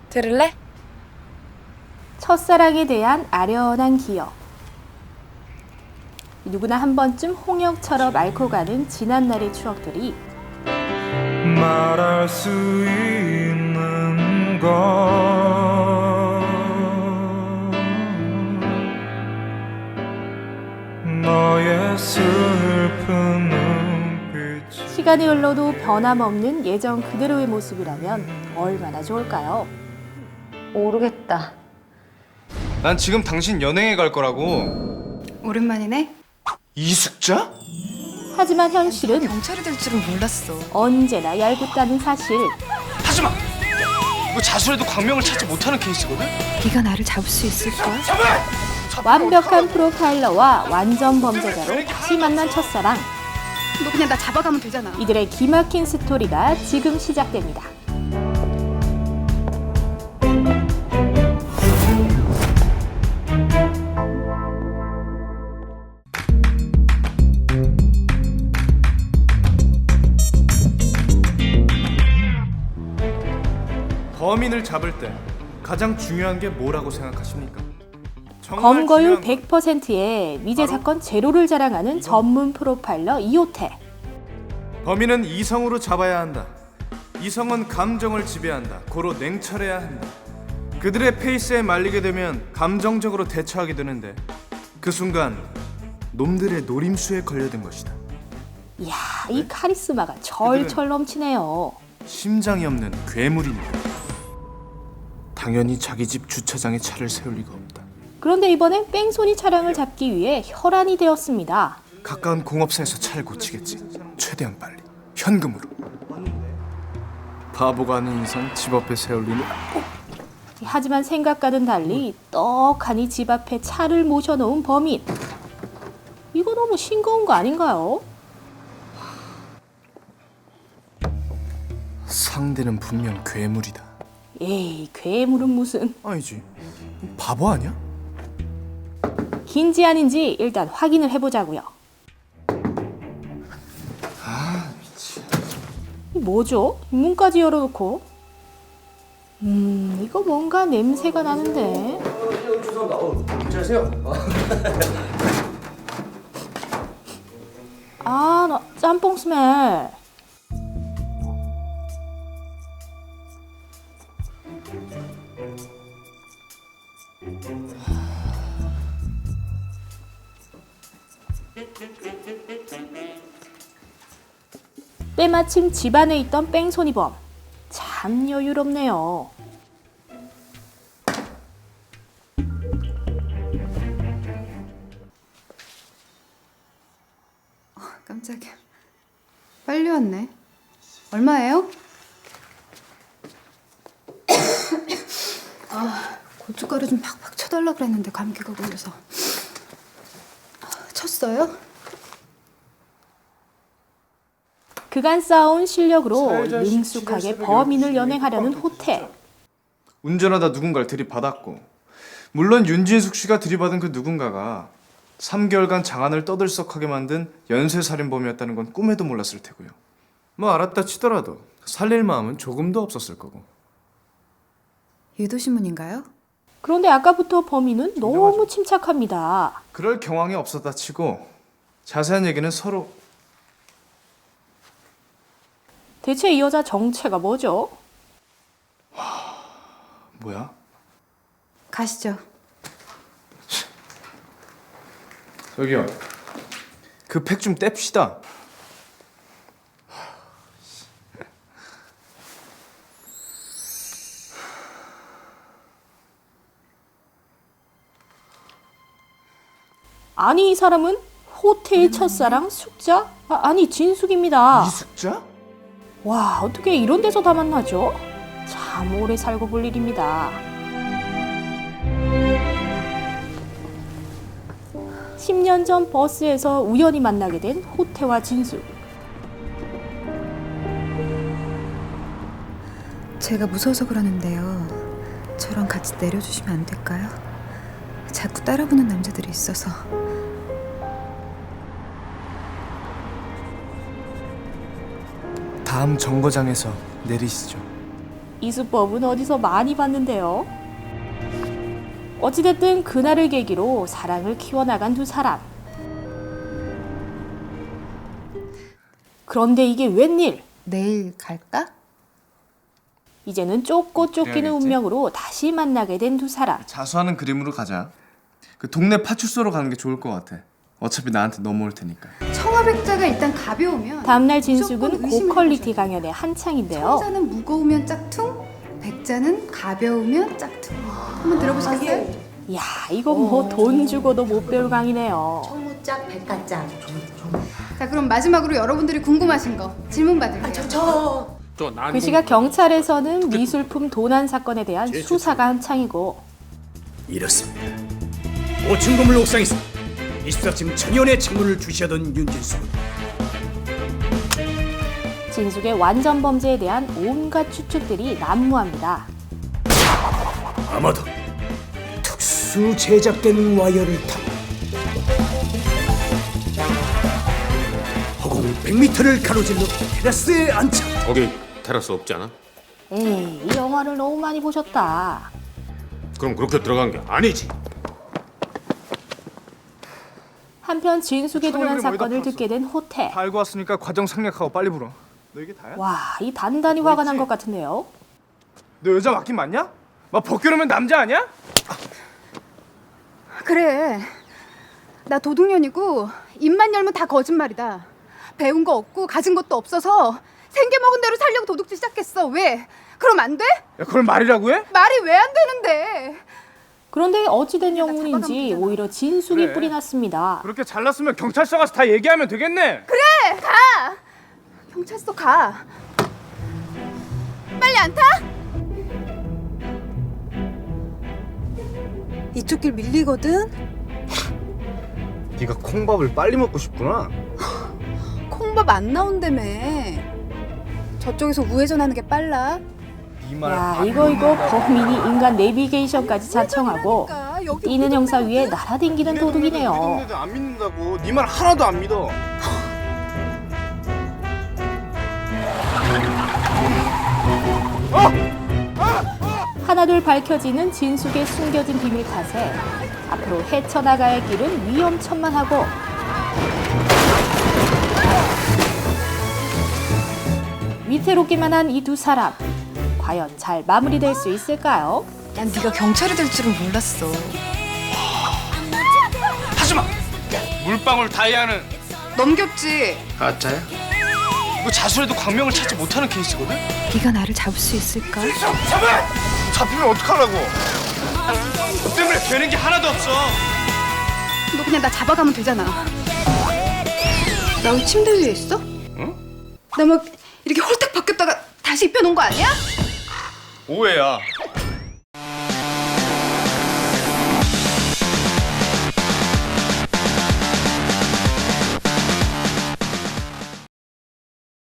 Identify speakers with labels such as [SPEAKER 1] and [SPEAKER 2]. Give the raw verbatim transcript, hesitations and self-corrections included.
[SPEAKER 1] 들을래?
[SPEAKER 2] 첫사랑에 대한 아련한 기억. 누구나 한 번쯤 홍역처럼 앓고 가는 지난날의 추억들이
[SPEAKER 3] 말할 수 있는 건 너의 슬픈 눈빛.
[SPEAKER 2] 시간이 흘러도 변함없는 예전 그대로의 모습이라면 얼마나 좋을까요?
[SPEAKER 4] 모르겠다.
[SPEAKER 5] 난 지금 당신 연행에 갈 거라고.
[SPEAKER 1] 오랜만이네.
[SPEAKER 5] 이숙자?
[SPEAKER 2] 하지만 현실은
[SPEAKER 1] 경찰이 될 줄은 몰랐어.
[SPEAKER 2] 언제나 얄궂다는 사실.
[SPEAKER 5] 하지마! 이거 자수해도 광명을 찾지 못하는 케이스거든?
[SPEAKER 1] 네가 나를 잡을 수 있을까?
[SPEAKER 2] 완벽한 프로파일러와 완전 범죄자로 다시 만난 첫사랑.
[SPEAKER 1] 너 그냥 나 잡아가면 되잖아.
[SPEAKER 2] 이들의 기막힌 스토리가 지금 시작됩니다.
[SPEAKER 3] 범인을 잡을 때 가장 중요한 게 뭐라고 생각하십니까? 정말
[SPEAKER 2] 검거율
[SPEAKER 3] 중요한 건
[SPEAKER 2] 백 퍼센트의 미제 사건 제로를 자랑하는 전문 프로파일러 이호태.
[SPEAKER 3] 범인은 이성으로 잡아야 한다. 이성은 감정을 지배한다. 고로 냉철해야 한다. 그들의 페이스에 말리게 되면 감정적으로 대처하게 되는데 그 순간 놈들의 노림수에 걸려든 것이다.
[SPEAKER 2] 이야, 이 카리스마가 절철 넘치네요.
[SPEAKER 3] 심장이 없는 괴물이니까. 당연히 자기 집 주차장에 차를 세울 리가 없다.
[SPEAKER 2] 그런데 이번엔 뺑소니 차량을 잡기 위해 혈안이 되었습니다.
[SPEAKER 3] 가까운 공업사에서 차를 고치겠지. 최대한 빨리. 현금으로. 바보가 아닌 이상 집 앞에 세울 리는.
[SPEAKER 2] 하지만 생각과는 달리 떡하니 집 앞에 차를 모셔놓은 범인. 이거 너무 싱거운 거 아닌가요?
[SPEAKER 3] 상대는 분명 괴물이다.
[SPEAKER 2] 에이, 괴물은 무슨.
[SPEAKER 3] 아니지. 바보 아니야?
[SPEAKER 2] 긴지 아닌지 일단 확인을 해보자고요.
[SPEAKER 3] 아, 미치.
[SPEAKER 2] 이 뭐죠? 문까지 열어놓고. 음, 이거 뭔가 냄새가 나는데. 아, 나 짬뽕 스멜. 때마침 집안에 있던 뺑소니범. 참 여유롭네요.
[SPEAKER 1] 깜짝이야. 빨리 왔네. 얼마예요? 아, 고춧가루 좀 팍팍 쳐달라 그랬는데 감기가 걸려서. 쳤어요?
[SPEAKER 2] 그간 쌓아온 실력으로
[SPEAKER 3] 살자
[SPEAKER 2] 능숙하게
[SPEAKER 3] 십칠일
[SPEAKER 2] 범인을
[SPEAKER 3] 새벽
[SPEAKER 2] 연행하려는
[SPEAKER 3] 열두 시
[SPEAKER 2] 호태.
[SPEAKER 5] 운전하다 누군가를 들이받았고, 물론 윤진숙 씨가 들이받은 그 누군가가 삼 개월간 장안을 떠들썩하게 만든 연쇄살인범이었다는 건 꿈에도 몰랐을 테고요.
[SPEAKER 3] 뭐 알았다 치더라도 살릴 마음은 조금도 없었을 거고.
[SPEAKER 1] 유도신문인가요?
[SPEAKER 2] 그런데 아까부터 범인은 너무 침착합니다.
[SPEAKER 5] 그럴 경황이 없었다 치고 자세한 얘기는 서로.
[SPEAKER 2] 대체 이 여자 정체가 뭐죠?
[SPEAKER 5] 뭐야?
[SPEAKER 1] 가시죠.
[SPEAKER 5] 저기요, 그 팩 좀 뗍시다.
[SPEAKER 2] 아니, 이 사람은 호태의 첫사랑 숙자? 아, 아니, 진숙입니다.
[SPEAKER 5] 이숙자?
[SPEAKER 2] 와, 어떻게 이런 데서 다 만나죠? 참 오래 살고 볼 일입니다. 십 년 전 버스에서 우연히 만나게 된 호태와 진숙.
[SPEAKER 1] 제가 무서워서 그러는데요. 저랑 같이 내려주시면 안 될까요? 자꾸 따라보는 남자들이 있어서.
[SPEAKER 3] 다음 정거장에서 내리시죠.
[SPEAKER 2] 이 수법은 어디서 많이 봤는데요. 어찌됐든 그날을 계기로 사랑을 키워나간 두 사람. 그런데 이게 웬일?
[SPEAKER 1] 내일 갈까?
[SPEAKER 2] 이제는 쫓고 쫓기는
[SPEAKER 5] 그래야겠지.
[SPEAKER 2] 운명으로 다시 만나게 된 두 사람.
[SPEAKER 5] 자수하는 그림으로 가자. 그 동네 파출소로 가는 게 좋을 것 같아. 어차피 나한테 넘어올 테니까.
[SPEAKER 1] 청아백자가 일단 가벼우면
[SPEAKER 2] 다음날 진숙은
[SPEAKER 1] 무조건 의심을
[SPEAKER 2] 고퀄리티
[SPEAKER 1] 해보셔야
[SPEAKER 2] 강연의 한창인데요.
[SPEAKER 1] 청자는 무거우면 짝퉁, 백자는 가벼우면 짝퉁. 한번 들어보시겠어요?
[SPEAKER 2] 야, 이거 뭐 돈 주고도 못 배울 강의네요.
[SPEAKER 6] 청무짝 백가짝.
[SPEAKER 1] 자, 그럼 마지막으로 여러분들이 궁금하신 거 질문 받을게요.
[SPEAKER 6] 저
[SPEAKER 2] 그 시각 경찰에서는 미술품 도난 사건에 대한 수사가 한창이고
[SPEAKER 7] 이렇습니다. 오 층 건물 옥상에서 이십사 층 천연의 창문을 주시하던 윤진수.
[SPEAKER 2] 진숙의 완전 범죄에 대한 온갖 추측들이 난무합니다.
[SPEAKER 7] 아마도 특수 제작된 와이어를 타고 허공 백 미터를 가로질러 테라스에 앉혀
[SPEAKER 8] 거기 테라스 없지 않아?
[SPEAKER 2] 에이, 이 영화를 너무 많이 보셨다.
[SPEAKER 8] 그럼 그렇게 들어간 게 아니지.
[SPEAKER 2] 한편 진숙의 도난
[SPEAKER 5] 천연그림 어디다
[SPEAKER 2] 사건을
[SPEAKER 5] 팔았어?
[SPEAKER 2] 듣게 된 호태.
[SPEAKER 5] 다 알고 왔으니까 과정 생략하고 빨리 불어. 너 이게 다야?
[SPEAKER 2] 와, 이 단단히 화가 난 것 같은데요.
[SPEAKER 5] 너 여자 맡긴 맞냐? 막 벗겨놓으면 남자 아니야?
[SPEAKER 1] 그래. 나 도둑년이고 입만 열면 다 거짓말이다. 배운 거 없고 가진 것도 없어서 생겨먹은 대로 살려고 도둑질 시작했어. 왜? 그럼 안 돼?
[SPEAKER 5] 야, 그걸 말이라고 해?
[SPEAKER 1] 말이 왜 안 되는데?
[SPEAKER 2] 그런데 어찌된 영문인지
[SPEAKER 1] 잡아가면
[SPEAKER 2] 오히려 진숙이
[SPEAKER 5] 그래.
[SPEAKER 2] 뿔이 났습니다.
[SPEAKER 5] 그렇게 잘났으면 경찰서 가서 다 얘기하면 되겠네.
[SPEAKER 1] 그래, 가. 경찰서 가. 빨리 안 타? 이쪽 길 밀리거든.
[SPEAKER 5] 네가 콩밥을 빨리 먹고 싶구나.
[SPEAKER 1] 콩밥 안 나온다며. 저쪽에서 우회전하는 게 빨라.
[SPEAKER 2] 야, 이거 이거 범인이 인간 내비게이션까지 자청하고
[SPEAKER 1] 그러니까 여기
[SPEAKER 2] 뛰는 형사 위에 날아댕기는 도둑이네요.
[SPEAKER 5] 믿는데도 안 믿는다고. 네 말 하나도 안 믿어.
[SPEAKER 2] 하나둘 밝혀지는 진숙의 숨겨진 비밀 탓에 앞으로 헤쳐나가야 할 길은 위험천만하고 위태롭기만 한 이 두 사람 과연 잘 마무리될 수 있을까요?
[SPEAKER 1] 난 네가 경찰이 될 줄은 몰랐어.
[SPEAKER 5] 하지마. 물방울 다이아는
[SPEAKER 1] 넘겼지.
[SPEAKER 5] 가짜야? 이거 자수해도 광명을 찾지 못하는 케이스거든.
[SPEAKER 1] 네가 나를 잡을 수 있을까?
[SPEAKER 5] 잡아! 잡히면 어떡하려고? 너 때문에 되는 게 하나도 없어.
[SPEAKER 1] 너 그냥 나 잡아가면 되잖아. 나 왜 침대 위에 있어?
[SPEAKER 5] 응?
[SPEAKER 1] 나 막 이렇게 홀딱 벗겼다가 다시 입혀놓은 거 아니야?
[SPEAKER 5] 오해야.